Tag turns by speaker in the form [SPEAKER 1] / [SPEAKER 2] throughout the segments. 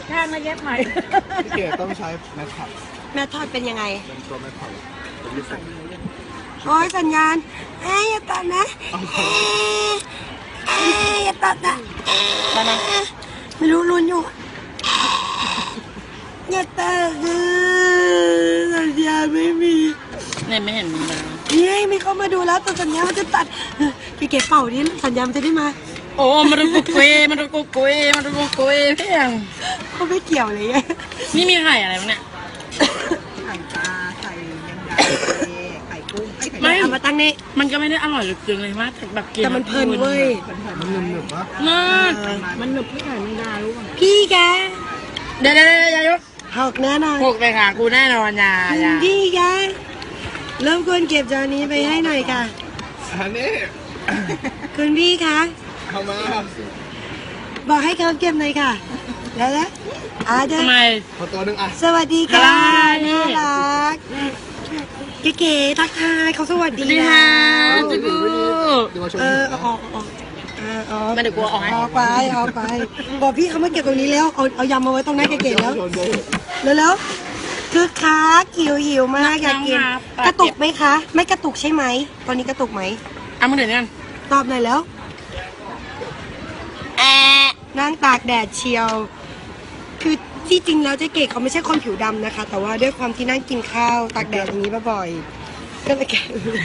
[SPEAKER 1] ข้างมาเย็บใหม่
[SPEAKER 2] พี่เก๋ต้องใช้แมทท็อป
[SPEAKER 3] แม่ทอดเป็นยังไง
[SPEAKER 2] เป็นตัวแมทท็อปเป็นที่สุด
[SPEAKER 3] โอ้ยสัญญาณอย่าตัดนะอย่าตัดนะไม่รู้ลุ้นอยู่อย่าตัดสัญญาณไม่มี
[SPEAKER 1] เนี่ยไม่เห็นมีมา
[SPEAKER 3] นี่มีเข้ามาดูแล้วแต่สัญญาณมันจะตัดพี่เก๋เป่าดิสัญญาณมันจะได้มา
[SPEAKER 1] โอ้มันรุกุยมันรุกุยมันรุกุยเพียง
[SPEAKER 3] เขาไม่เกี่ยวเลย
[SPEAKER 1] นี่มีไข่อะไรบ้างเนี่ย
[SPEAKER 4] ไข่ปลาไข่แมงดาไข่กุ้งไข่
[SPEAKER 1] ไม่
[SPEAKER 3] เอามาตั้งนี่
[SPEAKER 1] มันก็ไม่ได้อร่อยหรือจึงเลยมากแบบกิน
[SPEAKER 3] แต่มันเพลินเว้ย
[SPEAKER 2] มันหนึบๆปะ
[SPEAKER 1] มาก
[SPEAKER 4] มันหนึบที่ไข่แมงดารู้ป่ะ
[SPEAKER 3] พี่แก
[SPEAKER 1] เดี๋ยวอย่ายก
[SPEAKER 3] หกแน่นอน
[SPEAKER 1] พวกไปค่ะกูแน่นอนอย่า
[SPEAKER 3] พี่แกเริ่มควรเก็บจานนี้ไปให้หน่อยค่ะ
[SPEAKER 2] อันนี้
[SPEAKER 3] คุณพี่คะ
[SPEAKER 2] เอามา
[SPEAKER 3] บอกให้เขาเก็บหน่อยค่ะ แล้วเดี๋ยว
[SPEAKER 1] ทำไม
[SPEAKER 2] พอตัวหนึงอ่ะ
[SPEAKER 3] สวัสดีค่ะ
[SPEAKER 1] นี่
[SPEAKER 3] น่ารักเก๋ๆทักทายเขาสวัส
[SPEAKER 1] ส
[SPEAKER 3] ดี
[SPEAKER 1] วัสดี
[SPEAKER 3] นะ
[SPEAKER 1] ค่ะจุ๊บ
[SPEAKER 2] เดี๋ยวมาชม
[SPEAKER 3] ออก
[SPEAKER 1] มาเดี๋ยวกูเอาออกให้
[SPEAKER 3] ออกไปบอกพี่เขามาเก็บตรงนี้แล้วเอายำมาไว้ตรงนั้นเก๋ๆแล้วแล้วคือค้าหิวมากอยากกินกระตุกไหมคะ ไม่กระตุกใช่ไหมตอนนี้กระตุกไหม
[SPEAKER 1] เอามาเดี๋ยวนี้
[SPEAKER 3] ตอบหน่อยแล้วนั่งตากแดดเชียว คือที่จริงแล้วเจ๊เก๋เขาไม่ใช่คนผิวดำนะคะ แต่ว่าด้วยความที่นั่งกินข้าวตากแดดอย่างนี้บ่อยๆก็เลยแก่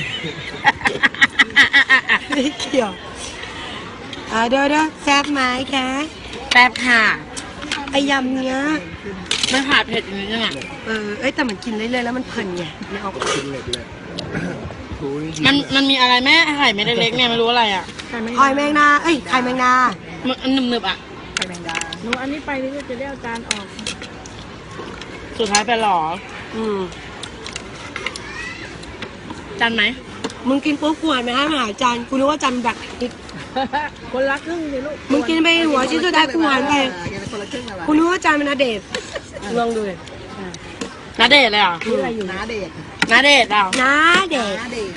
[SPEAKER 3] ไม่เกี่ยวเดี๋ยวแซ่บไหมคะ
[SPEAKER 1] แป๊บค่ะ
[SPEAKER 3] ไอยำเนี้ย
[SPEAKER 1] ไม่ผ่าเผ็ดอย่างนี้ยังไง
[SPEAKER 3] แต่มันกินเรื่อยๆแล้วมันเพลินไงไม่เอา
[SPEAKER 2] กินเหล็กเลยถูนี่
[SPEAKER 1] มันมีอะไรแม่ไข่เม็ดเล็กๆเนี่ยไม่รู้อะไรอ่ะ
[SPEAKER 3] หอยแมงนาไข่แมงนา
[SPEAKER 1] มันหนึบๆอ่ะ
[SPEAKER 4] ไข่แมงดา
[SPEAKER 1] หนูอันนี้ไปนี่จะได้เอาจานออก สุดท้ายไปหรอ จานไหม
[SPEAKER 3] มึงกินปุ๊บกวนไหมให้มาหาจานกูนึกว่าจานแบบ
[SPEAKER 1] คนละครึ่งสิลูก
[SPEAKER 3] มึงกินไปหัวชิ้นสุดท้ายกูหันไป
[SPEAKER 4] กินคนละครึ่งอะไร
[SPEAKER 3] กูนึกว่าจานมันนาเดชน์ลองดูเลย
[SPEAKER 1] นาเดชเลยเหรอ
[SPEAKER 4] อะไรอยู่น้าเดช
[SPEAKER 1] นาเดชเหรอ
[SPEAKER 3] นาเดชน์
[SPEAKER 4] น้าเดช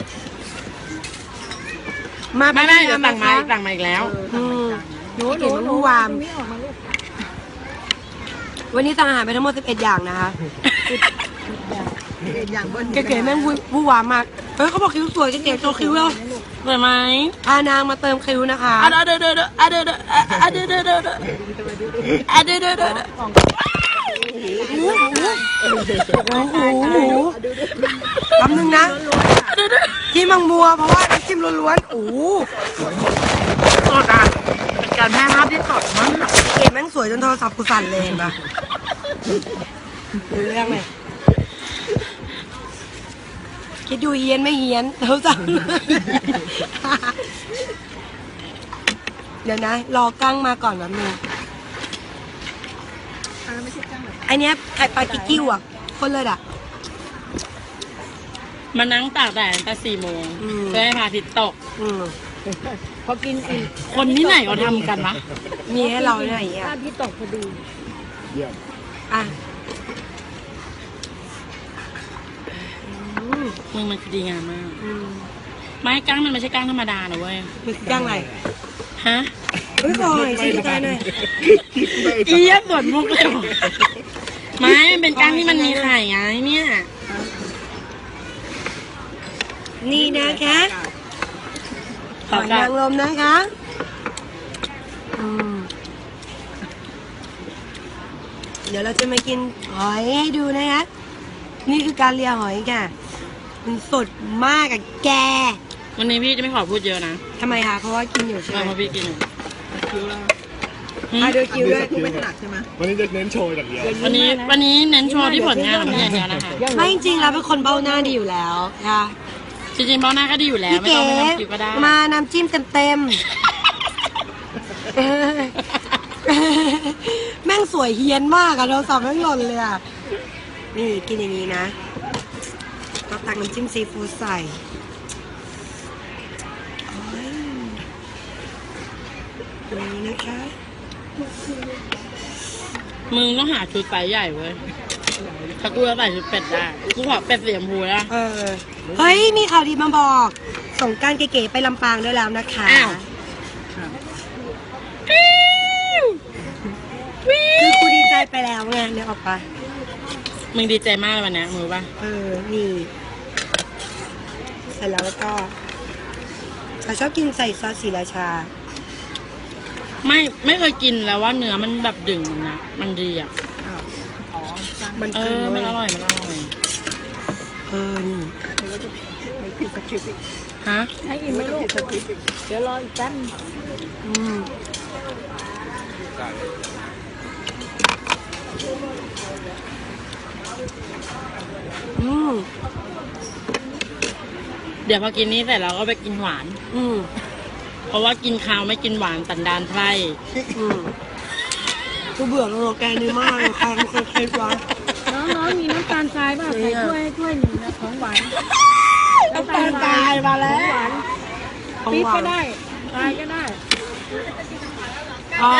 [SPEAKER 3] มา
[SPEAKER 1] ไม่เดี๋ยวสั่งมาอีกแล้ว
[SPEAKER 3] หนูมันวูวาม วันนี้สั่งอาหารไปทั้งหมด11อย่างนะคะ
[SPEAKER 4] เดชอย่างเบิ้ล
[SPEAKER 3] เก๋ๆแม่งวูวามมากเฮ้ยเขาบอกคิ้วสวยเก๋ๆโชว์คิ้วแล้ว
[SPEAKER 1] สวยไหม
[SPEAKER 3] พานางมาเติมคิ้วนะคะ
[SPEAKER 1] เดี๋ยว
[SPEAKER 3] แป๊บนึงนะที่มังมัวเพราะว่าน้ำจิ้มล้วนๆ
[SPEAKER 1] สดอ่ะเป็นการแพร่ภาพที่สดมาก
[SPEAKER 3] เก๋แม่งสวยจนโทรศัพท์กูสั่นเลยเห็นปะดูเรื่องเลยคิดดูเฮียนไม่เฮียนเขาสั่งเดี๋ยวนะ รอกั้งมาก่อนแบบนึง
[SPEAKER 4] ไม่ใช่จังหรอ
[SPEAKER 3] ไอเนี้ยไข่ปลากิ๊กกิ้วอ่ะคนเลยอ่ะ
[SPEAKER 1] มานั่งตากแดดตั้งแต่4 โมงเพื่อให้พระอาทิตย์ตก
[SPEAKER 4] พอกินอิ่ม
[SPEAKER 1] คนที่ไหนเขาทำกันวะ
[SPEAKER 3] มีให้เราไหนอ่ะ
[SPEAKER 4] ที่ตกพอดี
[SPEAKER 2] เยี่ยม
[SPEAKER 3] อ่ะ
[SPEAKER 1] มึงมันดีงามมาก ไม้กั้งมันไม่ใช่กั้งธรรมดานะเว้ย
[SPEAKER 3] มันคือย่างไร
[SPEAKER 1] ฮะ
[SPEAKER 3] เฮ้ยบอยชี้ตายหน่อย
[SPEAKER 1] เอี๊ยบสวนมุกเลยว่ะไม้มันเป็นกั้งที่มันมีไข่ไงเนี่ย
[SPEAKER 3] นี่นะคะ ห
[SPEAKER 1] ต่อ
[SPEAKER 3] อย
[SPEAKER 1] กัน
[SPEAKER 3] นางรมนะคะเดี๋ยวเราจะมากินหอยให้ดูนะคะนี่คือการเลียหอยค่ะมันสดมากอะแก
[SPEAKER 1] วันนี้พี่จะไม่ขอพูดเยอะนะ
[SPEAKER 3] ทำไมคะเพราะว่ากินอยู่ใช่ไหม
[SPEAKER 1] เพราะพี่กินอยู่
[SPEAKER 3] ดูคิวด้วย
[SPEAKER 4] กูไม่ถนัดใช่ไหม
[SPEAKER 2] วันนี้จะเน้นโชว์อย่างเดียว
[SPEAKER 1] วันนี้เน้นโชว์ที่ผลงานของพี่อย่างเดียวนะคะ
[SPEAKER 3] ไม่จริงๆแล้วเป็นคนเบ้าหน้าดีอยู่แล้วค่ะ
[SPEAKER 1] จริงๆเบ้าหน้าก็ดีอยู่แล้ว
[SPEAKER 3] พี่
[SPEAKER 1] ไม่
[SPEAKER 3] เก๋
[SPEAKER 1] ต้องไปทำคิวก็ได้
[SPEAKER 3] มาน้ำจิ้มเต็มๆ แม่งสวยเฮี้ยนมากอะเราสับแม่งหล่นเลยอะนี่กินอย่างนี้นะเราตักน้ำจิ้มซีฟู้ดใส่โอ้ยอย่างนี้นะคะ
[SPEAKER 1] มึงต้องหาชุดไซส์ใหญ่เว้ยถ้ากูจะใส่ชุดเป็ดได้กูขอเป็ดสีชมพูนะ
[SPEAKER 3] เฮ้ยมีข่าวดีมาบอกส่งกรารเก๋ๆไปลำปางด้วยแล้วนะคะ
[SPEAKER 1] อ้าว
[SPEAKER 3] คือกูดีใจไปออกไป
[SPEAKER 1] มึงดีใจมากเลยวันเนี้ยมึงรู้ป่ะ
[SPEAKER 3] นี่เสร็จแล้วก็ฉันชอบกินใส่ซอสศรีราชา
[SPEAKER 1] ไม่เคยกินแล้วว่าเนื้อมันแบบดึงนะมันดีอ่ะ
[SPEAKER 3] มัน
[SPEAKER 1] เอ
[SPEAKER 3] คือ
[SPEAKER 1] มันอร่อยมันอร่อย
[SPEAKER 3] นี่
[SPEAKER 4] ไม่ผิดสคริปต์อีก
[SPEAKER 1] ฮะ
[SPEAKER 4] ให้อิ่มไหมลูกเดี๋ยวรออีกแป๊บ
[SPEAKER 3] อืมอืม
[SPEAKER 1] เดี๋ยวพอกินนี้เสร็จเราก็ไปกินหวาน
[SPEAKER 3] อืม
[SPEAKER 1] เพราะว่ากินข้าวไม่กินหวานสันดานไพร่
[SPEAKER 3] อืมกูเบื่อโลแกนนี้มากเลยค่ะมันเคยๆวะ
[SPEAKER 4] น้องมีน้ำตาลทรายป่ะใส่ถ้วยหนึ่งนะของหวาน
[SPEAKER 3] น้ำตาลทรายมาแล้ว
[SPEAKER 4] หวาน
[SPEAKER 3] ของ
[SPEAKER 4] ปี๊บ
[SPEAKER 3] หวา
[SPEAKER 4] ก็
[SPEAKER 3] น
[SPEAKER 4] ได้ทรายก็ได้
[SPEAKER 3] เอา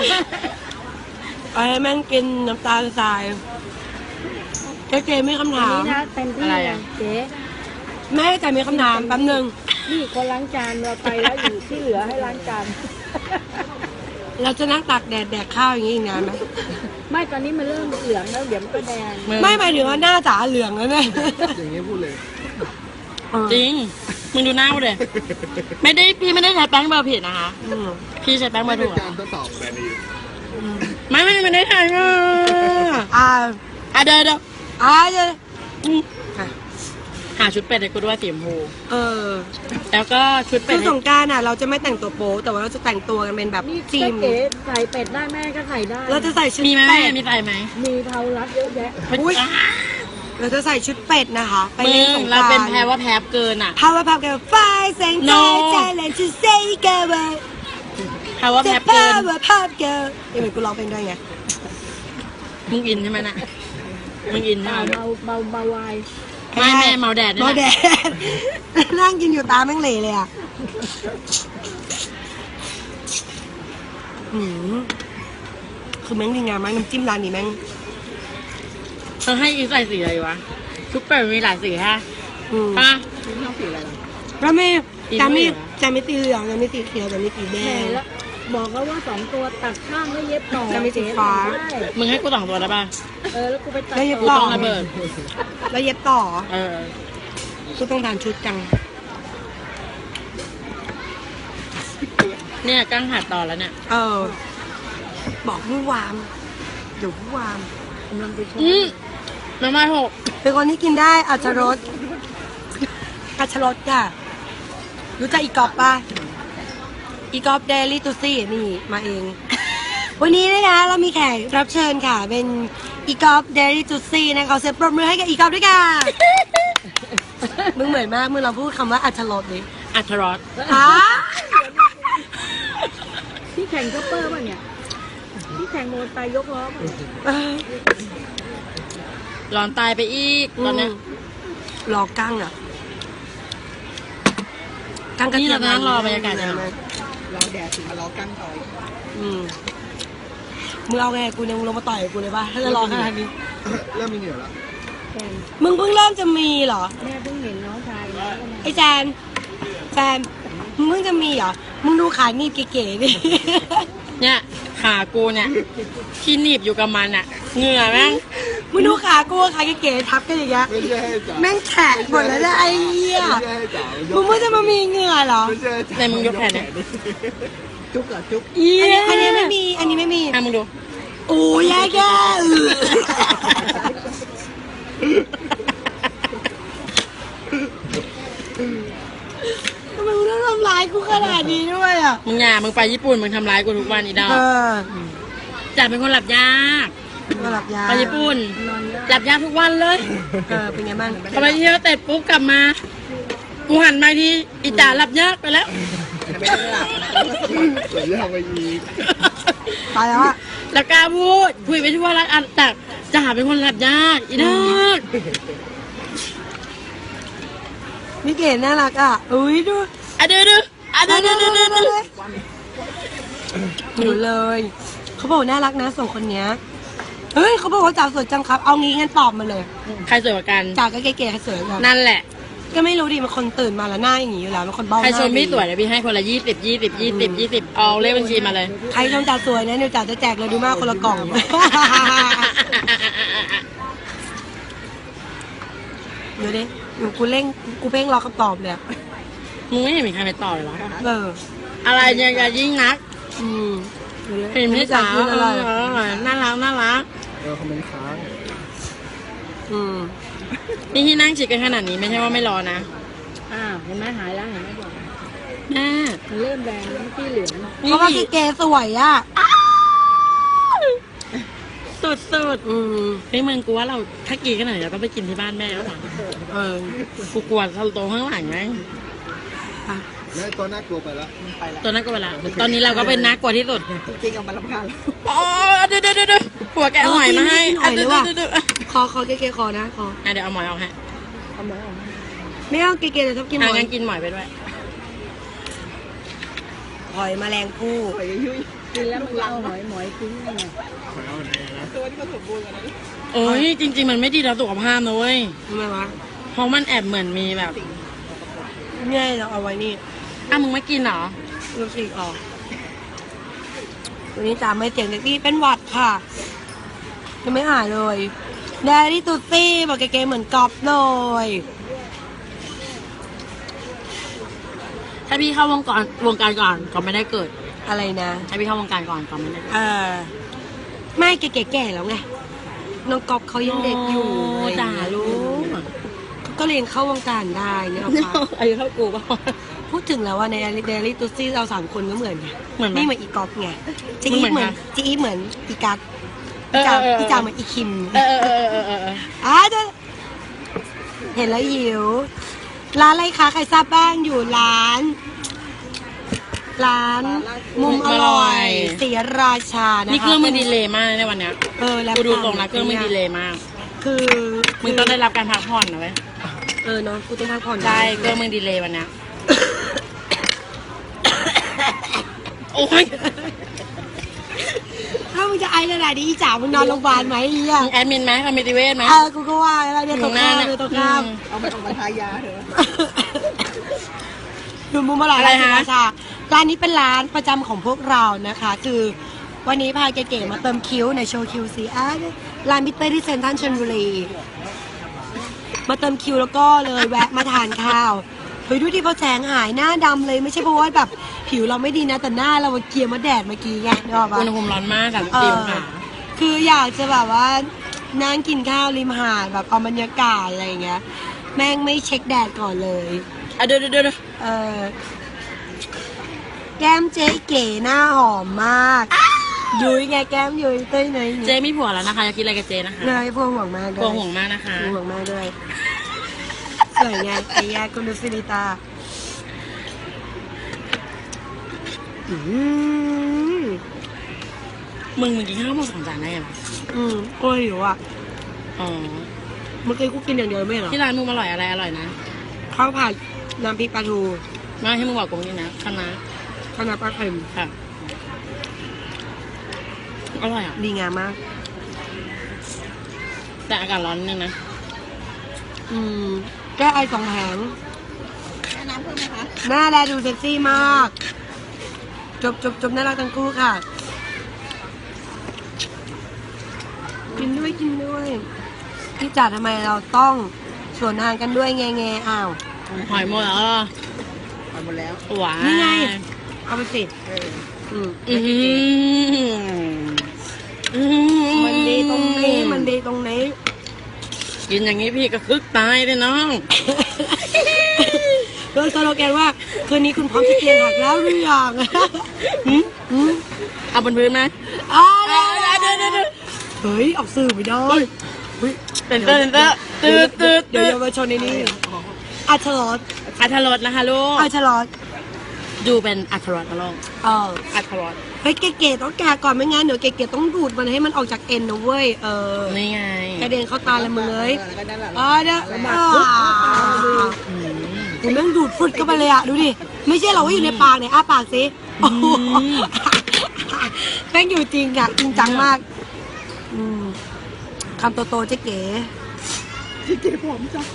[SPEAKER 3] ให้แม่งกินน้ำตาลทรายเจ๊มีคำถาม
[SPEAKER 4] นี่นะเต็มที่เลยเจ๊
[SPEAKER 3] แม่แต่มีคำถามแป๊บนึง
[SPEAKER 4] นี่คนล้างจานเราไปแล้วอยู่ที่เหลือให้ล้างจาน
[SPEAKER 3] เราจะนั่งตากแดดแดกข้าวอย่างนี้อีกนานไหม
[SPEAKER 4] ไม่ตอนนี้มันเริ่มเหลืองแล้วเดี๋ยวมันก็แดง
[SPEAKER 3] ไม่หมายถึงว่าหน้าจ๋าเหลืองแล้วเนี่ย
[SPEAKER 2] อย่างนี้พูดเลย
[SPEAKER 1] จริง มึงดูหน้ากูเลยพี่ไม่ได้ใช้แป้งเบอร์ผิดนะคะ
[SPEAKER 3] อืม
[SPEAKER 1] พี่ใช้แป้งเบอ
[SPEAKER 2] ไม่
[SPEAKER 1] ร์
[SPEAKER 2] เป็
[SPEAKER 1] ถู
[SPEAKER 2] น
[SPEAKER 1] ก
[SPEAKER 2] การทดสอบแบรนด์นี้
[SPEAKER 1] ไม่ได้ใช้อ่ะ
[SPEAKER 3] อ่า
[SPEAKER 1] เดี๋ยว
[SPEAKER 3] เดี๋ยวอ่ะ
[SPEAKER 1] หาชุดเป็ดให้กูด้วยสีชมพู
[SPEAKER 3] เออ
[SPEAKER 1] แล้วก็ชุดเป็
[SPEAKER 3] คื
[SPEAKER 1] ด
[SPEAKER 3] อ
[SPEAKER 1] ให้
[SPEAKER 3] สงกรารน่ะ เราจะไม่แต่งตัวโป๊แต่ว่าเราจะแต่งตัวกันเป็นแบบ
[SPEAKER 4] นี่
[SPEAKER 3] ทีม
[SPEAKER 4] เก๋ใส่เป็ดได้แม่ก็ใส่ได้
[SPEAKER 3] เราจะใส่ชุด
[SPEAKER 1] มีไหม
[SPEAKER 3] เป็
[SPEAKER 1] แม่
[SPEAKER 3] ด
[SPEAKER 1] มีใส่ไหม
[SPEAKER 4] มีเทารัดเยอะแยะ
[SPEAKER 3] อุ๊ย เราจะใส่ชุดเป็ดนะคะ ไป
[SPEAKER 1] มึ
[SPEAKER 3] เล่นส
[SPEAKER 1] ง
[SPEAKER 3] งก
[SPEAKER 1] เรา
[SPEAKER 3] ราร
[SPEAKER 1] เป็นแพรว่าแพรเกินอ่ะ
[SPEAKER 3] พาวเวอร์พับกันไฟแสงใจ
[SPEAKER 1] No
[SPEAKER 3] ใจและจะ say goodbye
[SPEAKER 1] แพรว่าแพ
[SPEAKER 3] จะ
[SPEAKER 1] รเกิน
[SPEAKER 3] power pop girl ยังไงกูร้องเพลงด้วยไง
[SPEAKER 1] มึงอินใช่ไหมน่ะมึงอินใช่ไหม
[SPEAKER 4] เบาไวาย
[SPEAKER 1] ไม่แม่เมาแดดนี่
[SPEAKER 3] เมา
[SPEAKER 1] แห
[SPEAKER 3] แด
[SPEAKER 1] ละ
[SPEAKER 3] ด นั่งกินอยู่ตาแม่งเหล่เลยอ่ะอืมคือแม่งดีงามมากน้ำจิ้มร้านนี้แม่ง
[SPEAKER 1] เธอให้อีใส่สีอะไรวะชุดเป็ดมีหลายสีฮะ
[SPEAKER 3] อืม
[SPEAKER 1] ป่ะ
[SPEAKER 3] แล้วไม่
[SPEAKER 1] อีก
[SPEAKER 3] จะไม่
[SPEAKER 1] ด้วยเหรอ
[SPEAKER 3] จะไม่สีเหลืองจะไม่สีเขียวจะไม่สีแด
[SPEAKER 4] แม่
[SPEAKER 3] ง
[SPEAKER 4] แล้วบอกแล้วว่า2 ตัวตัดข้างแล้วเย็บต่อ
[SPEAKER 3] จะมีสีฟ้า
[SPEAKER 4] ได้
[SPEAKER 1] มึงให้กู2 ตัวได้ป่ะ
[SPEAKER 4] แล้วกูไปตัด
[SPEAKER 3] แล้วเย็บ
[SPEAKER 1] กู
[SPEAKER 3] ต่
[SPEAKER 1] ต้องระเบิด
[SPEAKER 3] แล้วเย็บต่อ
[SPEAKER 1] เออ
[SPEAKER 3] กูต้องทานชุดจัง
[SPEAKER 1] เนี่ยกั้งหัดต่อแล้วเนี่ย
[SPEAKER 3] เออ บอกผู้วามเดี๋ยวผู้วาม
[SPEAKER 4] กำลังไปชม
[SPEAKER 1] น้ำมันหก
[SPEAKER 3] เป็นคนที่กินได้อัชรสอัชรสค่ะ รู้จักอีกอบป่ะ อีกอบเดลี่ตูซี่นี่มาเอง วันนี้นะคะเรามีแขกรับเชิญค่ะ เป็นอีกอบเดลี่ตูซี่นะคะขอเสียงปรบมือให้กับอีกอบด้วยค่ะ มึงเหมือนมากมึงเราพูดคำว่าอัชรสดิ
[SPEAKER 1] อัทรส
[SPEAKER 3] อ๋อ
[SPEAKER 4] พี่แข่งคัพเปอร์ป่ะเนี่ยพี่แข่งโมตายยกล้อป่ะ
[SPEAKER 3] เออ
[SPEAKER 1] ร้อนตายไปอีกตอนเนี้ย
[SPEAKER 3] รอกั้งอ่ะกั้งกระ
[SPEAKER 1] นี่
[SPEAKER 3] เทีย
[SPEAKER 1] เรา
[SPEAKER 3] ม
[SPEAKER 1] นั่งรอบรรยากาศเนี่ย
[SPEAKER 2] รอแดดถึงมารอกั้งต่อย
[SPEAKER 3] อืมมึงเอาไงกูเนี่ยมึงลงมาต่อยกูเลยป่ะถ้าจะรอขนาดนี้
[SPEAKER 2] เริ่มมีเหงื่อแล้ว
[SPEAKER 4] แฟน
[SPEAKER 3] มึงเพิ่งเริ่มจะมีเหรอ
[SPEAKER 4] แม่เพิ่งเห็นน้องชายแล้วก็มา
[SPEAKER 3] ไอ้แจนแฟนมึงเพิ่งจะมีเหรอ มึงดูขาหนีบเก๋ๆดิ
[SPEAKER 1] เนี่ยขากูเนี่ยที่หนีบอยู่กับมันอะเหงื่อแม่ง
[SPEAKER 3] มึงดูขากูขาเก๋ๆทับกันอย่างเงี้ย
[SPEAKER 2] ไม่ใช่ให้จ๋า
[SPEAKER 3] แม่งแฉะหมดแล้วนะไอ้เหี้ย
[SPEAKER 2] ไม่ใช่ให้จ๋า
[SPEAKER 3] มึงเพิ่งจะมามีเหงื่อเหรอ
[SPEAKER 2] ไม่ใช่ให้จ๋า
[SPEAKER 1] ไหนมึงยกแขนเนี่ย
[SPEAKER 2] จุ๊บอ่ะจุ๊บ
[SPEAKER 3] อันนี้ไม่มี อันนี้ไม่มี
[SPEAKER 1] อ่ะมึงดู
[SPEAKER 3] โอ้ยแย่แย่ทำไมมึงต้องทำร้ายกูขนาดนี้ด้วยอ่ะ
[SPEAKER 1] มึงมึงไปญี่ปุ่นมึงทำร้ายกูทุกวันอีดอก
[SPEAKER 3] เออ
[SPEAKER 1] จ๋าเป็นคนหลับยาก
[SPEAKER 3] มาหลับยา
[SPEAKER 1] ไปญี่ปุ่น
[SPEAKER 4] นอนเยอะ
[SPEAKER 1] หลับยากทุกวันเลย
[SPEAKER 3] เป็นไงบ้าง
[SPEAKER 1] พอไปเที่ยวเสร็จปุ๊บกลับมากูหันมาทีอีจ๋าหลับยากไปแล้ว
[SPEAKER 2] ไม่ได้หลับเดี๋ยวจะไปอีก
[SPEAKER 3] ตายแล้วอ่ะ
[SPEAKER 1] แล้วกล้าพูดคุยไปทั่วร้านอันแต่จ๋าเป็นคนหลับยากอีดอก
[SPEAKER 3] นี่เก๋น่ารักอ่ะอุ้ยดู
[SPEAKER 1] อ่ะเดือ
[SPEAKER 3] หิวเลย เขาบอกน่ารักนะสองคนเนี้ย เฮ้ยเขาบอกว่าจ๋าสวยจังครับ เอางี้งั้นตอบมาเลย
[SPEAKER 1] ใครสวยกว่ากัน
[SPEAKER 3] จ๋าก็เก๋ๆใครสวยกัน
[SPEAKER 1] นั่นแหละ
[SPEAKER 3] ก็ไม่รู้ดิมันคนตื่นมาแล้วหน้าอย่างงี้อยู่แล้วมันคนเบ้าห
[SPEAKER 1] ใคร
[SPEAKER 3] น้า
[SPEAKER 1] ชมพี่
[SPEAKER 3] ดี
[SPEAKER 1] สวยเดี๋ยวพี่ให้คนละ20เอาเลขบัญชีมาเลย
[SPEAKER 3] ใครชมจ๋าสวยนะเดี๋ยวจ๋าจะแจกเลยดูมากคนละกล่องกูเร่งกูเพ่งรอคำตอบเลยอะ
[SPEAKER 1] มึงไม่เห็นมีใครไปต่อเลยเหรอ
[SPEAKER 3] เออ
[SPEAKER 1] อะไรเนี่ยอย่ายิ่งนัก
[SPEAKER 3] อืม
[SPEAKER 1] เห็นพี่สาว
[SPEAKER 3] กินอะไร
[SPEAKER 1] น่ารักน่ารัก
[SPEAKER 2] คอมเมนต์ค้าง
[SPEAKER 3] อืม
[SPEAKER 1] นี่ที่นั่งชิดกันขนาดนี้ไม่ใช่ว่าไม่รอนะเห็นไหมหายแล้วเห็นไหมบอกแม่
[SPEAKER 4] มันเริ่มแดงแล้วพี่เหลือง
[SPEAKER 3] เพราะว่าเก๋สวยอ่ะ
[SPEAKER 1] สุด
[SPEAKER 3] อืม
[SPEAKER 1] ๆเฮ้ยมึงกูว่าเราถ้ากินขนาดนี้เราต้องไปกินที่บ้านแม่แล้วหรอ
[SPEAKER 3] เออ
[SPEAKER 1] กูกลัวเราโตข้างหลังไหม
[SPEAKER 3] อ่ะ
[SPEAKER 2] แล้วตัวน่ากลัวไปแล้ว
[SPEAKER 4] ไปแล้ว
[SPEAKER 1] ตัวนั้นก็เวลาตอนนี้เราก็เป็นนักกว่าที่สุด
[SPEAKER 4] จริงๆเอามาลำคาญ
[SPEAKER 1] อ๋อเดี๋ยวผัวแกะหอยมาให้เดี๋ยว
[SPEAKER 3] ขอเก๋ๆขอนะขอ
[SPEAKER 1] เดี๋ยวเอาหมอยเอาให้
[SPEAKER 4] เอามาเอามา
[SPEAKER 3] ไม่เอาเก๋ๆเดี๋ยวชอบกินหอย
[SPEAKER 1] งั้นกินหมอยไปด้วย
[SPEAKER 3] หอยแมลงภู่
[SPEAKER 4] หอยยุ่ยกินแล้วมันเอาหอยทิ้งยังไง
[SPEAKER 2] ขอเอาไหนนะ
[SPEAKER 4] ตัวที่เขาสมบูรณ์กันนะ
[SPEAKER 1] โอ้ยจริง ๆ มันไม่ดีต่อสุขภาพนะเว้ย
[SPEAKER 3] ทำไมวะ
[SPEAKER 1] เพราะมันแอบเหมือนมีแบบ
[SPEAKER 3] เนี่ยเราเอาไว้นี่
[SPEAKER 1] มึงไม่กินเหรอ
[SPEAKER 3] ลูกศิษย์ออกวันนี้จ๋าไม่เสียงเด็กดีเป็นหวัดค่ะยังไม่หายเลยแดรี่ตุ๊ตี้บอกเก๋ๆเหมือนกอบเลย
[SPEAKER 1] ถ้าพี่เข้าวงการก่อนก็ไม่ได้เกิด
[SPEAKER 3] อะไรนะ
[SPEAKER 1] ถ้าพี่เข้าวงการก่อนก็ไม่ได้เกิด
[SPEAKER 3] ไม่เก๋ๆแก่แล้วไงน้องกอบเขายังเด็กอยู่
[SPEAKER 1] โด่าลูก
[SPEAKER 3] เขาก็เรียนเข้าวงการได้เนี่ยเอาปะ
[SPEAKER 1] อายุเท่ากูป่ะ
[SPEAKER 3] พูดถึงแล้วว่าในเดลี่ตุ๊ซี่เราสามคนก็เหมือนไง
[SPEAKER 1] เหมือนไหม
[SPEAKER 3] นี่เหมือนอีกอบไงจี
[SPEAKER 1] มึ
[SPEAKER 3] อี
[SPEAKER 1] งเหมือน
[SPEAKER 3] เหมือน
[SPEAKER 1] ใคร
[SPEAKER 3] จีอีเหมือนอีกัสพี่จ๋าเหมือนอีคิม
[SPEAKER 1] เออ
[SPEAKER 3] เดี๋ยวเห็นแล้วหิว ร้านอะไรคะใครทราบบ้างอยู่ร้าน มุมอร่อยศรีราชานะคะ
[SPEAKER 1] นี่เครื่องมันดีเลยมากในวันเนี้ย
[SPEAKER 3] แล้ว
[SPEAKER 1] กูดูตรงนะเครื่องมันดีเลยมาก
[SPEAKER 3] คือ
[SPEAKER 1] มึงต้องได้รับการพักผ่อนนะเว้ย
[SPEAKER 3] เนาะกูต้องพักผ่อน
[SPEAKER 1] ใช่เครื่องมึงดีเลยวันเนี้ยโอ้ย
[SPEAKER 3] ถ้ามึงจะไอขนาดนี้อีจ๋ามึงนอนโรงพยาบาลไหมอีอ่ะ
[SPEAKER 1] มึงแอดมินไหมคอมมิติเวชไหม
[SPEAKER 3] กูก็ว่าแล้วเนี่ยตกข้ามเลยตกข้าม
[SPEAKER 4] เอามาทายาเถอะ
[SPEAKER 3] ดูมุมอร่อยร้านศรีราชาร้านนี้เป็นร้านประจำของพวกเรานะคะ คือวันนี้พาเก๋ๆมาเติมคิ้วในโชว์คิวซีร้านบิตเตอร์ที่เซ็นทรัลชลบุรีมาเติมคิวแล้วก็เลยแวะมาทานข้าวเฮ้ยดูดิพอแสงหายหน้าดำเลยไม่ใช่เพราะว่าแบบผิวเราไม่ดีนะแต่หน้าเราเกลียมาแดดเมื่อกี้ไงนึกออกปะ
[SPEAKER 1] อุณหภูมิร้อนมาก34องศา
[SPEAKER 3] คืออยากจะแบบว่านั่งกินข้าวริมหาดแบบเอาบรรยากาศอะไรอย่างเงี้ยแม่งไม่เช็คแดดก่อนเลย
[SPEAKER 1] เดี๋ยว
[SPEAKER 3] แก้มเจ๊เก๋หน้าหอมมากยุ้ยไงแก้มยุ้ยเต้ยเนย
[SPEAKER 1] เจมีผัวแล้วนะคะอยากกินอะไรกับเจนะคะ
[SPEAKER 3] เนยพวงห่วงมากด้วย
[SPEAKER 1] กลัวห่วงมากนะคะ
[SPEAKER 3] พวงห่วงมากด้วยสวยไงไอ้แยกคุณดูซิลิตาม
[SPEAKER 1] มึงกินข้าวหมด2 จานได้ยัง
[SPEAKER 3] โอ้ยหิวอ่ะ
[SPEAKER 1] อ๋อ
[SPEAKER 3] เมื่อกี้กูกินอย่างเดียวไม่เหรอ
[SPEAKER 1] ที่ร้านมึงอร่อยอะไรอร่อยนะ
[SPEAKER 3] ข้าวผัดน้ำพริกปลาทู
[SPEAKER 1] มาให้มึงบอกกูนี่นะคณะ
[SPEAKER 3] ข้าวหน้าปลาเค็ม
[SPEAKER 1] ค่ะอร่อยอ่ะ
[SPEAKER 3] ดีงามมาก
[SPEAKER 1] แต่อากาศร้อนนิดนึงนะ
[SPEAKER 3] แก้ไอ2 แผง
[SPEAKER 4] น้ำเพิ่มไหมคะ
[SPEAKER 3] หน้าแลดูเซ็กซี่มาก จบน่ารักทั้งคู่ค่ะ กินด้วยพี่จ๋าทำไมเราต้องสวนทางกันด้วยแงอ้าว
[SPEAKER 1] หอยหมดแล้วเหรอ
[SPEAKER 4] เอาหมดแล้ว
[SPEAKER 1] หวาน
[SPEAKER 3] นี่ไง เอาไปสิ มันดีตรงนี้
[SPEAKER 1] กินอย่างนี้พี่ก็คึกตายเลยน้อง
[SPEAKER 3] โดยสโลแกนว่าคืนนี้คุณพร้อมที่เตียงหักแล้วหรือยัง
[SPEAKER 1] เอาบนพื้นไหม
[SPEAKER 3] เดี๋ยวเฮ้ยออกสื่อไม่ได้
[SPEAKER 1] เต้นตืด
[SPEAKER 3] เดี๋ยวเยาวชนในนี้อัชรส
[SPEAKER 1] อัธรสนะคะลูก
[SPEAKER 3] อัชรส
[SPEAKER 1] ดูเป็นอัธรสนะลูกอัธรส
[SPEAKER 3] เฮ้ยเก๋ๆต้องแกะก่อนไม่งั้นเดี๋ยวเก๋ๆต้องดูดมันให้มันออกจากเอ็นนะเว้ย
[SPEAKER 1] นี่ไง
[SPEAKER 3] กระเด็นเข้าตาละมึงเลย
[SPEAKER 4] แล้วก็นั่นแหละ
[SPEAKER 3] เดี๋ยวผมแม่งดูดฟุดเข้าไปเลยอะดูดิไม่ใช่เราว่าอยู่ในปากเนี่ยอ้าปากสิโอ้โหแม่งอยู่จริงอะจริงจังมากคำโตๆเจ๊เก๋
[SPEAKER 4] ที่เก็บผมจ้ะ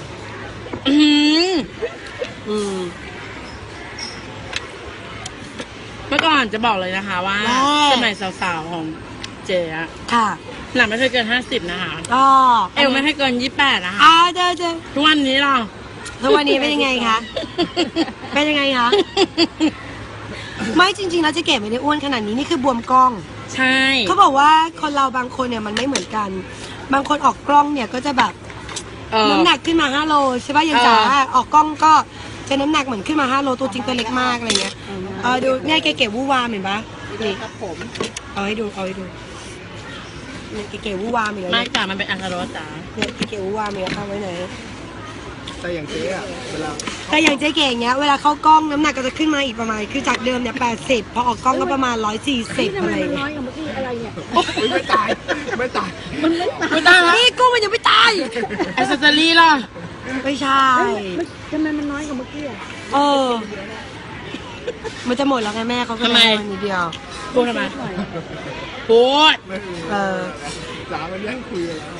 [SPEAKER 1] เมื่อก่อนจะบอกเลยนะคะว่าสมัยสาวๆของเจ๊อะ
[SPEAKER 3] ค่ะ
[SPEAKER 1] หนักไม่เคยเกิน50นะคะ
[SPEAKER 3] ก็
[SPEAKER 1] เอวไม่ให้เกิน28นะคะ
[SPEAKER 3] เจอ
[SPEAKER 1] ทุกวันนี้เรา
[SPEAKER 3] ทุกวันนี้เป็นยังไงคะ เป็นยังไงคะ ไม่จริงๆแล้วเจ๊เก๋ไม่ได้อ้วนขนาดนี้นี่คือบวมกล้อง
[SPEAKER 1] ใช่
[SPEAKER 3] เขาบอกว่าคนเราบางคนเนี่ยมันไม่เหมือนกัน บางคนออกกล้องเนี่ยก็จะแบบน้ำหนักขึ้นมา5 โลใช่ป่ะยังจ๋าออกกล้องก็จะน้ำหนักเหมือนขึ้นมา5 โลตัวจริงตัวเล็กมากอะไรเงี้ยดูเนี่ยเก๋ๆวู้วามเห็นปะนี่
[SPEAKER 4] ครับผม
[SPEAKER 3] เอาให้ดูเนี่ยเก๋ๆวู้วามอีกแล้ว
[SPEAKER 1] ไม่
[SPEAKER 3] เนี่ย
[SPEAKER 1] จ๋ามันเป็นอันตรายจ๋า
[SPEAKER 3] เนี่ยเก๋ๆวู้วามอีกแล้วเอาไว้ไหน
[SPEAKER 2] แต่อย่างเจ๊อะเวลา
[SPEAKER 3] แต่อย่างเจ๊เก๋อย่างเงี้ยเวลาเข้ากล้องน้ำหนักก็จะขึ้นมาอีกประมาณคือจากเดิมเนี่ย80พอออกกล้องก็ประมาณ140อะไรอย่างเงี้ย
[SPEAKER 2] ไม่ตายไม่ตาย
[SPEAKER 1] ไม่ได้แล้ว
[SPEAKER 3] นี่กุ้งมันยังไม่ตาย
[SPEAKER 1] แอสเซสซอรี่ล่ะ
[SPEAKER 3] ไม่ใช่
[SPEAKER 4] ทำไมมันน้อยกว่าเมื่อกี้อ่ะ
[SPEAKER 3] เออ มันจะหมดแล้วไงแม่เขาก็เลยเอานิดเดียว
[SPEAKER 1] พูดทำไมพูด
[SPEAKER 3] เออ
[SPEAKER 2] จ๋ามันแย่งคุยกันแล้ว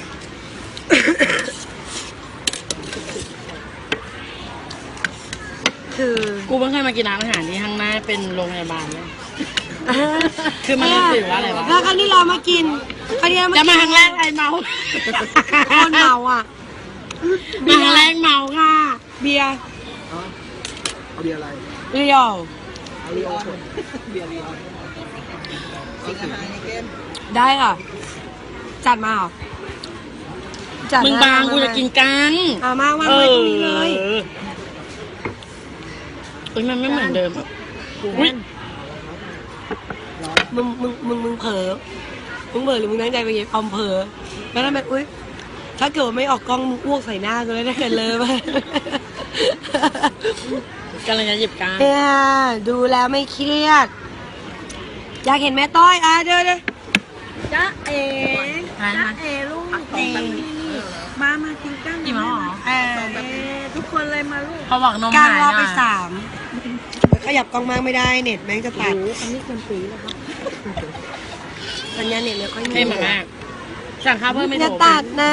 [SPEAKER 3] คือ
[SPEAKER 1] กูเพิ่งเคยมากินร้านอาหารที่ข้างหน้าเป็นโรงพยาบาลเลย คือมันรู้สึกว่าอะไรวะ
[SPEAKER 3] แล้วครั้งที่เรามากินครั้งที่เรา
[SPEAKER 1] จะมา
[SPEAKER 3] มา
[SPEAKER 1] ครั้งแรกไอเมา
[SPEAKER 3] คนเมาอ่ะ
[SPEAKER 1] มาครั้งแรกเมาค่ะ
[SPEAKER 3] เบียร์
[SPEAKER 2] เอาเบียร์อะไร
[SPEAKER 3] เรียว
[SPEAKER 2] เอาเบียร์คน
[SPEAKER 4] เบียร์ลีออนกินอาหารในเกม
[SPEAKER 3] ได้ค่ะ จัดมาเหรอจัด
[SPEAKER 1] มึงบางกูจะกินกัง
[SPEAKER 3] มาวางไว้ตรงนี้เลย
[SPEAKER 1] อุ้ยมันไม่เหมือนเดิมอ่ะอุ้ย
[SPEAKER 3] มึงเผลอมึงเผลอหรือมึงตั้งใจไปเย็บอมเผลอแล้วทำไมอุ้ยถ้าเกิดว่าไม่ออกกล้องมึงอ้วกใส่หน้ากูเลยถ้าเกิดเลยไป
[SPEAKER 1] กำลังจะหยิบกัง
[SPEAKER 3] เนี่ยดูแล้วไม่เครียด อยากเห็นแม่ต้อยเดี๋ยว
[SPEAKER 4] จ๊ะเอ๋
[SPEAKER 1] ฮะ
[SPEAKER 4] จ๊ะเอ๋ลูกนี่มากินกัน
[SPEAKER 1] อิ่มแล้วเหรอ
[SPEAKER 4] ทุกคนเลยมาลูก
[SPEAKER 1] เขาบอกนม
[SPEAKER 3] กลาง
[SPEAKER 1] หาย
[SPEAKER 3] รอบไป
[SPEAKER 1] อ่ะ
[SPEAKER 3] 3ขยับกล้องมากไม่ได้เน็ตแม่งจะตัด
[SPEAKER 4] อันนี้คนปีแล้วครับ
[SPEAKER 3] สัญญาณเน็ตเลยค่อย
[SPEAKER 1] เข้มมากสั่งข้าวเพิ่มไม่
[SPEAKER 3] อ
[SPEAKER 1] ถู
[SPEAKER 3] ย่าก ตัดนะ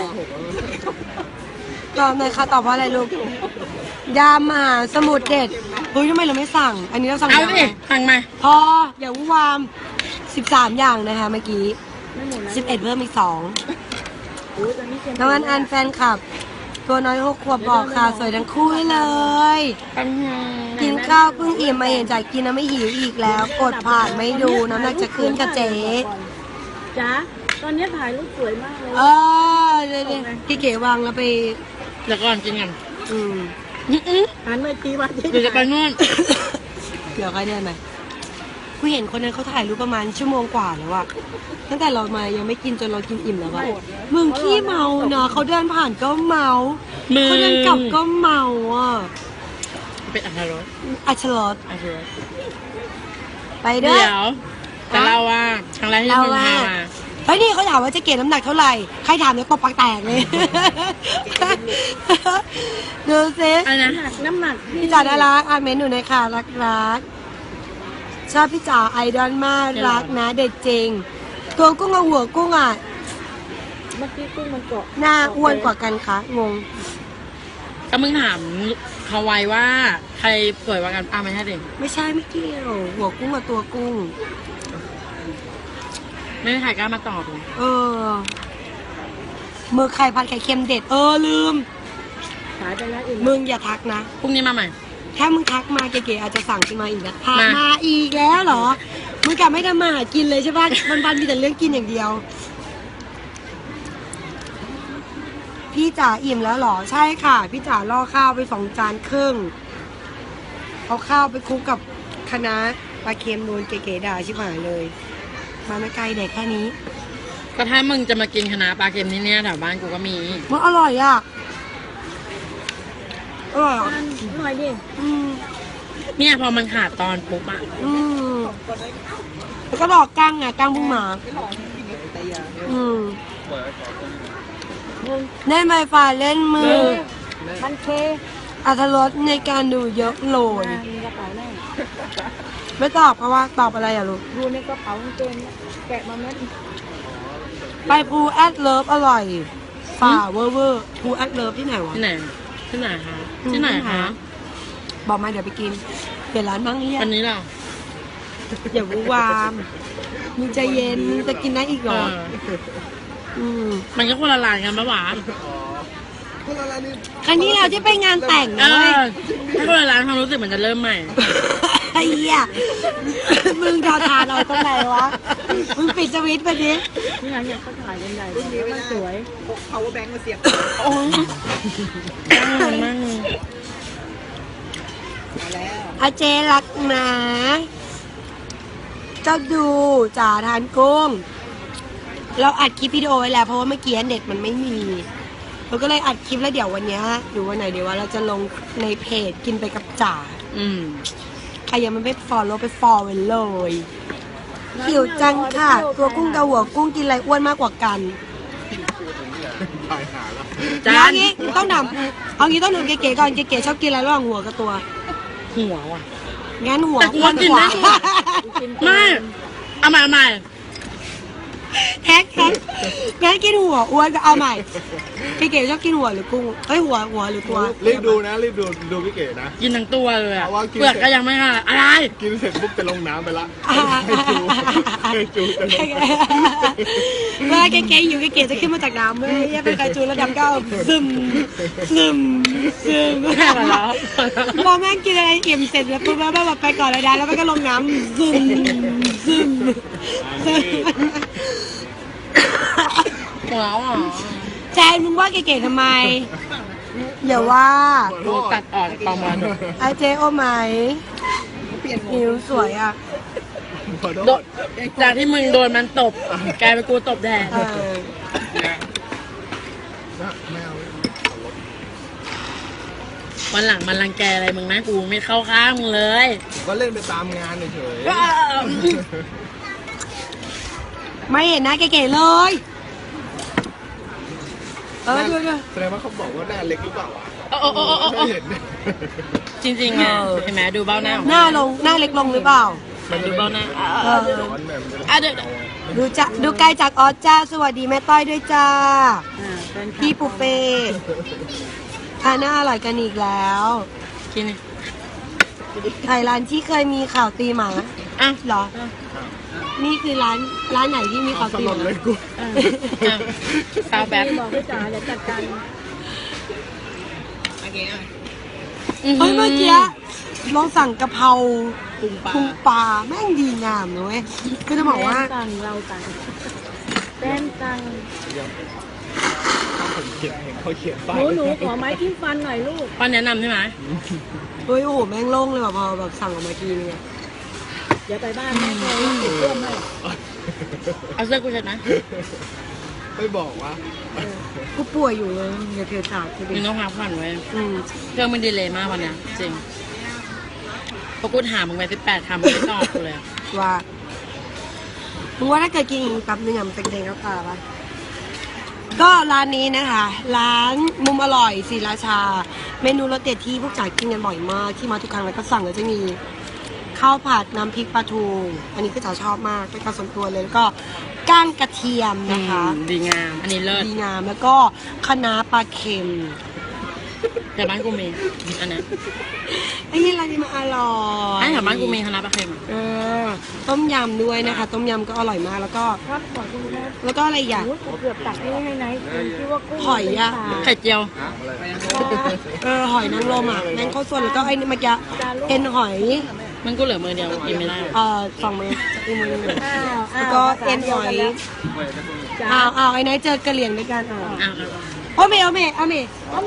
[SPEAKER 3] ตอบหน่อยค่ะตอบว่าอะไรลูกยามมหาสมุทรเด็ดเฮ้ยทำไมเราไม่สั่ง อันนี้เราสั่ง
[SPEAKER 1] เอาดิสั่งมา
[SPEAKER 3] พออย่าวุ่นวาม13 อย่างนะคะเมื่อกี้11เพิ่มอีก2น้องอันแฟนคลับ ตัวน้อย6 ขวบบอกค่ะสวยทั้งคู่เลย กินข้าวเพิ่งอิ่มมาเห็นจากกินแล้วไม่หิวอีกแล้ว กดผ่านไม่ดูน้ำหนักจะขึ้นค่ะเจ๊
[SPEAKER 4] จ๊ะตอนนี้ถ่ายรูปสวยมากเลย
[SPEAKER 3] เดี๋ยวพี่เก๋วางแล้วไป
[SPEAKER 1] เดี๋ยวก่อนกินกัน
[SPEAKER 3] อืม
[SPEAKER 4] หันไปทีว่า
[SPEAKER 1] เดี๋ยวจะไปนู่น
[SPEAKER 3] เดี๋ยวใครเดินไหมกูเห็นคนนั้นเขาถ่ายรูปประมาณชั่วโมงกว่าแล้วอะตั้งแต่เรามายังไม่กินจนเรากินอิ่มแล้วอะมึงขี้เมาเนาะเขาเดินผ่านก็เมา
[SPEAKER 1] มือ
[SPEAKER 3] เขาเดินกลับก็เมาอ่ะ
[SPEAKER 1] เป็นอัตรส
[SPEAKER 3] อัชรส
[SPEAKER 1] อัตรส
[SPEAKER 3] ไปเด้อ
[SPEAKER 1] เดี๋ยวจะเล่าว่าครั้งแรกที่มึงพามา
[SPEAKER 3] เฮ้ยนี่เขาถามว่าจะเกณฑ์น้ำหนักเท่าไหร่ ใครถามเนี่ยตบปากแตกเลย ดูสิ
[SPEAKER 1] อะไรนะ
[SPEAKER 4] น้ำหนัก
[SPEAKER 3] พี่จ๋าน่ารักเมนหนูหน่อยค่ะรักชอบพี่จ๋าไอดอลมากรักนะเด็ดจริง ตัวกุ้งกับหัวกุ้งอ่ะ
[SPEAKER 4] เมื่อกี้กุ้งมันเกาะ
[SPEAKER 3] หน้าอ้วนกว่ากันคะงง
[SPEAKER 1] ก็มึงถามเขาไว้ว่าใครสวยกว่ากันไม่ใช่ดิ
[SPEAKER 3] ไม่ใช่ไม่เกี่ยวหัวกุ้งกับตัวกุ้ง
[SPEAKER 1] ไม่มีใครกล้ามาตอบเลย
[SPEAKER 3] มือไข่ผัดไข่เค็มเด็ดลืม
[SPEAKER 4] ขายไปแล้วอีก
[SPEAKER 3] มึงอย่าทักนะ
[SPEAKER 1] พรุ่งนี้มาใหม่
[SPEAKER 3] ถ้ามึงทักมาเก๋ๆอาจจะสั่งขึ้นมาอีกนะพา
[SPEAKER 1] มา
[SPEAKER 3] มาอีกแล้วเหรอ มึงกลับไม่ทำมาหากินเลยใช่ป่ะวันๆมีแต่เรื่องกินอย่างเดียว พี่จ๋าอิ่มแล้วเหรอ ใช่ค่ะ พี่จ๋าล่อข้าวไป2 จานครึ่ง เอาข้าวไปคลุกกับคะน้าปลาเค็มโดนเก๋ๆด่าชิบหายเลย มาไม่ไกลเด็กแค่นี้
[SPEAKER 1] ก็ถ้ามึงจะมากินคะน้าปลาเค็มที่เนี่ยแถวบ้านกูก็มี
[SPEAKER 3] มันอร่อยอ่ะ อร่อยอ่ะ
[SPEAKER 4] หน่อยดิ
[SPEAKER 3] อืม
[SPEAKER 1] เนี่ยพอมันขาดตอนปุ๊บอะ
[SPEAKER 3] อืมแล้วก็ดอกกั้งอ่ะกั้งบุ้งหมาอืมเล่นไฟฟ้าเล่นมือ
[SPEAKER 4] มันเค
[SPEAKER 3] อัตรสในการดูเยอะโหลย
[SPEAKER 4] มีกระเป๋าแน่
[SPEAKER 3] ไม่ตอบเพราะว่าตอบอะไรอ่ะลูก
[SPEAKER 4] ดูในกระเป๋ากางเกงเนี่ยแกะมาเม็ด
[SPEAKER 3] ไปภูแอดเลิฟอร่อยฝ่าเวอร์เวอร์ภูแอดเลิฟที่ไหนวะ
[SPEAKER 1] ที่ไหนที่ไหนคะที่ไหนคะ
[SPEAKER 3] บอกมาเดี๋ยวไปกินเปลี่ยนร้านบ้างเรียก
[SPEAKER 1] วันนี้เรา
[SPEAKER 3] อย่าวูวามมึงใจเย็นมึงจะกินได้อีกเหรอ
[SPEAKER 1] มันก็คนละลายกันปะวะ
[SPEAKER 2] คนละร้านนี่
[SPEAKER 3] ครั้งที่เราที่ไปงานแต่ง
[SPEAKER 1] เอ
[SPEAKER 3] นะเว้ย
[SPEAKER 1] อถ้าคนละร้านความรู้สึกมันจะเริ่มใหม่
[SPEAKER 3] ไอ้เหี้ยมึงทาทานเอาตรงไหนวะ มึงปิดสวิตช์ไปดิ
[SPEAKER 1] นี่ร้านเนี่ยเขาขายกันใหญ่
[SPEAKER 4] รุ่นนี้ไม่ได้
[SPEAKER 1] สวย
[SPEAKER 4] พก power bank มาเสียบ
[SPEAKER 1] โอ้ยนั่งนั่ง
[SPEAKER 4] มาแล้ว
[SPEAKER 3] อาเจรักนะเจ้าดูจ่าทานกุ้ง เราอัดคลิปวิดีโอไว้แล้วเพราะว่าเมื่อกี้เน็ตมันไม่มีเราก็เลยอัดคลิปแล้วเดี๋ยววันเนี้ยหรือวันไหนเดี๋ยวว่าเราจะลงในเพจกินไปกับจ่า
[SPEAKER 1] อืม
[SPEAKER 3] ใครยังไม่ฟอลโล่ไปฟอลไว้เลยหิวจังค่ะ ตัวกุ้งกับหัวกุ้งกินอะไรอ้วนมากกว่ากัน
[SPEAKER 2] ถ่ายหาแล้ว
[SPEAKER 1] จา
[SPEAKER 3] เอา
[SPEAKER 1] น
[SPEAKER 3] งี้ต้องนำเอางี้ต้องนำเก๋ๆก่อนเก๋ๆชอบกินอะไรระหว่างหัวกับตัว
[SPEAKER 1] หัวว่ะ
[SPEAKER 3] งั้นหัว
[SPEAKER 1] แต่กูว่ากินได้หัว ไม่เอาใหม่เอาใหม่
[SPEAKER 3] แท็กงั้นกินหัวอ้วนก็เอาใหม่เก๋ๆชอบกินหัวหรือกุ้งเอ้ยหัวหรือตัว
[SPEAKER 2] รีบดูนะรีบดูพี่เก๋นะ
[SPEAKER 1] กินทั้งตัวเลยอะ
[SPEAKER 2] เอาว่ากิน
[SPEAKER 1] เปลือกก็ยังไม่ค่ะอะไร
[SPEAKER 2] กินเสร็จปุ๊บจะลงน้ำไปละให้จูจะลง
[SPEAKER 3] เมื่อเก๋ๆอยู่เก๋ๆจะขึ้นมาจากน้ำเมื่อเป็นไก่จูแล้วดำก็เอาซึมพอแม่งกินอะไรอิ่มเสร็จแล้วปุ๊บแม่งแบบไปก่อนเลยนะแล้วมันก็ลงน้ำซึม
[SPEAKER 1] หัวอ่ะ
[SPEAKER 3] แจนมึงว่าเก๋ๆทำไมเดี๋ยวว่า
[SPEAKER 1] กูตัดออกประมาณ
[SPEAKER 3] ไอเจโอไหม
[SPEAKER 4] เปลี่ยนหัว
[SPEAKER 3] หิวสวยอ่ะ
[SPEAKER 2] ขอโท
[SPEAKER 1] โด
[SPEAKER 2] ษ
[SPEAKER 1] จากที่มึงโดนมันตบกลายเป็นกูตบแดง
[SPEAKER 3] เออ
[SPEAKER 2] ไม่เอา
[SPEAKER 1] วันหลังมันรังแกอะไรมึงนะกูไม่เข้าข้างมึงเลย
[SPEAKER 2] ก็เล่นไปตามงานเฉย
[SPEAKER 3] ไม่เห็นหนะเก๋ๆเลยดู
[SPEAKER 2] แสดงว่าเขาบอกว่าหน้าเล็กหรือเปล่า
[SPEAKER 1] โอ้
[SPEAKER 2] ไม่เห็น
[SPEAKER 1] จริงๆอ่ะเห็นไหมดูเบ้าหน้า
[SPEAKER 3] หน้าเล็กลงหรือเปล่า
[SPEAKER 2] มันจะ
[SPEAKER 1] ดู
[SPEAKER 2] เป็น
[SPEAKER 1] เบ้าหน้า
[SPEAKER 2] ร้อนแบบมันจะ
[SPEAKER 1] อ่ะเดี๋ยว
[SPEAKER 3] ดูไกลจากออสจ้าสวัสดีแม่ต้อยด้วยจ้าพี่ปูเป้ทานน่าอร่อยกันอีกแล้ว
[SPEAKER 1] กินนี่
[SPEAKER 3] ไทยร้านที่เคยมีข่าวตีหมา
[SPEAKER 1] อ่ะ
[SPEAKER 3] เหรอ นี่คือร้านไหนที่มีข่าว
[SPEAKER 2] ส
[SPEAKER 3] ตี
[SPEAKER 2] ล
[SPEAKER 3] ห
[SPEAKER 2] ด
[SPEAKER 3] มา
[SPEAKER 2] เลยกู
[SPEAKER 1] สาวแบบ
[SPEAKER 4] บอกพี่จ๋าเดี๋ยวจัดการโอเคอ่ะ
[SPEAKER 3] เฮ้ยเมื่อกี้ลองสั่งกะเพรา
[SPEAKER 4] ปรุงปลา
[SPEAKER 3] ปรุงปลาแม่งดีงามนะเว้ยคือจะบอกว่า
[SPEAKER 1] สั่งเราสั่งแป้นสั่ง
[SPEAKER 2] ผมเขียนเห็นเขาเขียนป้าย
[SPEAKER 5] หนูขอไม้จิ้มฟันหน่อยลูก
[SPEAKER 1] ป้าแนะนำใช่ไหม
[SPEAKER 3] เฮ้ยโอ้โหแม่งโล่งเลยว่ะพอแบบสั่งออกมาทีนึงอะ
[SPEAKER 5] เดี๋ยวไปบ้านแม่เลยติดเพื่อนให้
[SPEAKER 1] เอาเสื้อกูเช็ดนะ
[SPEAKER 2] ไม่บอกว่า
[SPEAKER 3] กูป่วยอยู่เลยอย่าเถื่อนถาดกูดิ
[SPEAKER 1] มึงต้องพักผ่อนไว้
[SPEAKER 3] อืม
[SPEAKER 1] เครื่องมันดีเลยมากวันเนี้ยจริงพอกูถามมึงไป18คำมึงไม่ตอบกูเลยอะ
[SPEAKER 3] ว่ามึงว่าถ้าเกิดกินอีกแป๊บนึงอะมันจะกระเด็นเข้าตาปะก็ร้านนี้นะคะ ร้านมุมอร่อยศรีราชา เมนูรสเด็ดที่พวกจ่ายกินกันบ่อยมากที่มาทุกครั้งแล้วก็สั่งก็จะมีข้าวผัดน้ำพริกปลาทูอันนี้ก็จะชอบมากเป็นการส่วนตัวเลยแล้วก็ก้างกระเทียมนะคะ
[SPEAKER 1] ดีงาม อันนี้เลิศ
[SPEAKER 3] ดีงามแล้วก็คะน้าปลาเค็ม
[SPEAKER 1] แต่บ้านกูมีอันนั้น
[SPEAKER 3] ไอ้นี่ร้านนี้มันอร่อย
[SPEAKER 1] ไอ้แถวบ้านกูมีคณะปลาเค็มอะ
[SPEAKER 3] เออต้มยำด้วยนะคะ ต้มยำก็อร่อยมากแล้วก็
[SPEAKER 5] ครับขอคุณแม่
[SPEAKER 3] แล้วก็อะไรอีกอย่าง
[SPEAKER 5] โอ้ยเกือบตักนี่ให้ไหนคุณคิดว่ากุ้ง
[SPEAKER 3] หอยอะ
[SPEAKER 1] ไข่เจียว
[SPEAKER 3] หอยนางรมอ่ะแมงข้าวส่วนแล้วก็ไอ้นี่เมื่อกี้เอ็นหอย
[SPEAKER 1] มันกูเหลือมือเดียวกินไม่ได้หรอก
[SPEAKER 3] สองมืออีกมือหนึ่ง
[SPEAKER 5] อ้าว
[SPEAKER 3] แล้วก็เอ็นหอย
[SPEAKER 5] จ้า
[SPEAKER 3] ไอ้นายเจอกระเหลี่ยงด้วยกัน
[SPEAKER 1] อ้าวอ้าว
[SPEAKER 3] เอาเม
[SPEAKER 5] เอาเมย์
[SPEAKER 3] ลาเม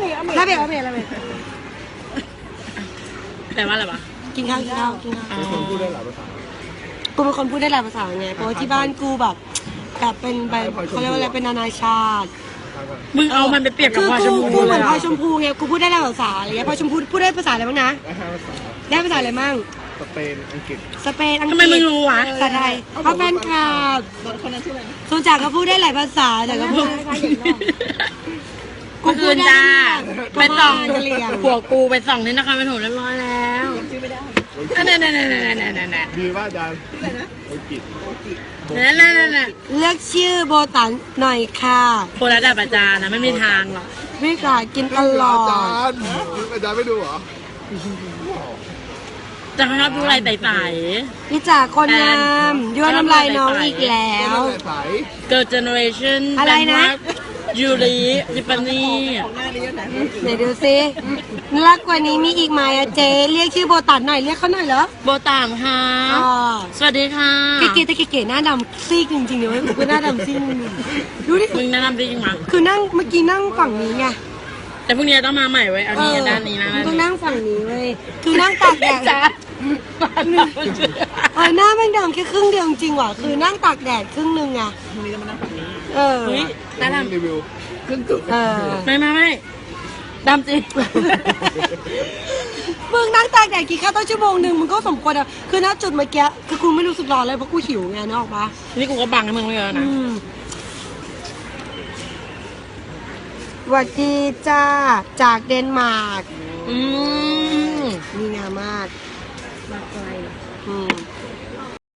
[SPEAKER 1] แต่ว่าอะไรวะ
[SPEAKER 3] กินข้าว
[SPEAKER 1] อ๋อ
[SPEAKER 2] คนพูดได้หลายภาษา
[SPEAKER 3] กูเป็นคนพูดได้หลายภาษาไงเพราะว่าที่บ้านกูแบบเป็นแบบเขาเรียกว่าอะไรเป็นนานาชาติ
[SPEAKER 1] มึงเอามันไปเปรียบกับ
[SPEAKER 3] คือ
[SPEAKER 1] พลอยชม
[SPEAKER 3] กู
[SPEAKER 1] พู
[SPEAKER 3] เห
[SPEAKER 1] เล
[SPEAKER 3] มือย น
[SPEAKER 1] อะ
[SPEAKER 3] พลอยชมพูไงกูพูดได้หลายภาษาอะไรเงี้ยพลอยชมพูพูดได้ภาษาอะไรบ้างนะ
[SPEAKER 2] ได้5ภาษา
[SPEAKER 3] ได้ภาษาอะไรบ้าง
[SPEAKER 2] สเปนอังกฤษ
[SPEAKER 3] สเปนอังกฤษ
[SPEAKER 1] ทำไมมึงรู้วะ
[SPEAKER 3] ภาษาไทยเพราะแฟนคลับ
[SPEAKER 4] คนนั้นชื่ออะไรนะ
[SPEAKER 3] ส่วนจากก็พูดได้หลายภาษาแต่ก็พูด
[SPEAKER 1] เมื่อคืนจ้าไปส่อง
[SPEAKER 3] กะเหรี่ยง
[SPEAKER 1] ผัวกูไปส่องที่นครปฐมเรียบร้อยแล้ว
[SPEAKER 4] ชื่อไม่ได้
[SPEAKER 1] นั่น
[SPEAKER 2] ดีว่าอาจารย์
[SPEAKER 4] ชื่ออะไรนะ
[SPEAKER 2] อังกฤษ
[SPEAKER 1] นั่น
[SPEAKER 3] เลือกชื่อโบตันหน่อยค่ะ
[SPEAKER 1] โคราชประจานนะไม่มีทางหรอก
[SPEAKER 3] ไม่กล้ากินตลอ
[SPEAKER 2] อาจา
[SPEAKER 3] ด
[SPEAKER 2] รย์อาจารย์ไม่ดูเหรอ
[SPEAKER 1] จะชอบดูอะไรไต่
[SPEAKER 3] พี่จ๋าคนงามยั่วน้ำลายน้องอีกแล้ว
[SPEAKER 2] ไม่ได้ใส
[SPEAKER 1] ๆ Girl Generation
[SPEAKER 3] อะไรนะ
[SPEAKER 1] ยูริดิปานี่
[SPEAKER 4] ของหน้านี้อยู่ไหน
[SPEAKER 3] ไหนดูซิน่ารักกว่านี้มีอีกไหมอะเจ๊เรียกชื่อโบตันหน่อยเรียกเขาหน่อยเหรอ
[SPEAKER 1] โบตามค่ะ
[SPEAKER 3] อ๋อ
[SPEAKER 1] สวัสดีค่ะ
[SPEAKER 3] เก๋ๆแต่เก๋ๆหน้าดำซีกจริงๆเดี๋ยวกูหน้าดำซีกดูดิ
[SPEAKER 1] มึงแนะนำจริงมั้ง
[SPEAKER 3] คือนั่งเมื่อกี้นั่งฝั่งนี้ไง
[SPEAKER 1] แต่พรุ่งนี้ต้องมาใหม่ไว้ยเอานี่ด้านนี้นะ
[SPEAKER 3] ต้องนั่งฝั่งนี้เว้ยคือนั่งตากแดด
[SPEAKER 1] จ้า
[SPEAKER 3] หน้าแม่งดำแค่ครึ่งเดียวจริงๆว่ะคือนั่งตากแดดครึ่งหนึงอะเออ
[SPEAKER 1] เฮ้ยน่าด
[SPEAKER 2] รีวิวครึ่งจุด
[SPEAKER 3] เออ
[SPEAKER 1] ำไม่ดำจริง
[SPEAKER 3] มึงนั่งตากแดดกี่ข้าวต้นชั่วโมงหนึ่งมึงก็สมควรอะคือณจุดเมื่อกี้คือกูไม่รู้สึกร้อนเลยเพราะกูหิวไงนึกออกปะ
[SPEAKER 1] นี่กูก็บังให้มึงไม่เยอะนะ
[SPEAKER 3] สวัสดีจ้าจากเดนมาร์ก
[SPEAKER 1] อืม
[SPEAKER 3] มีงามมาก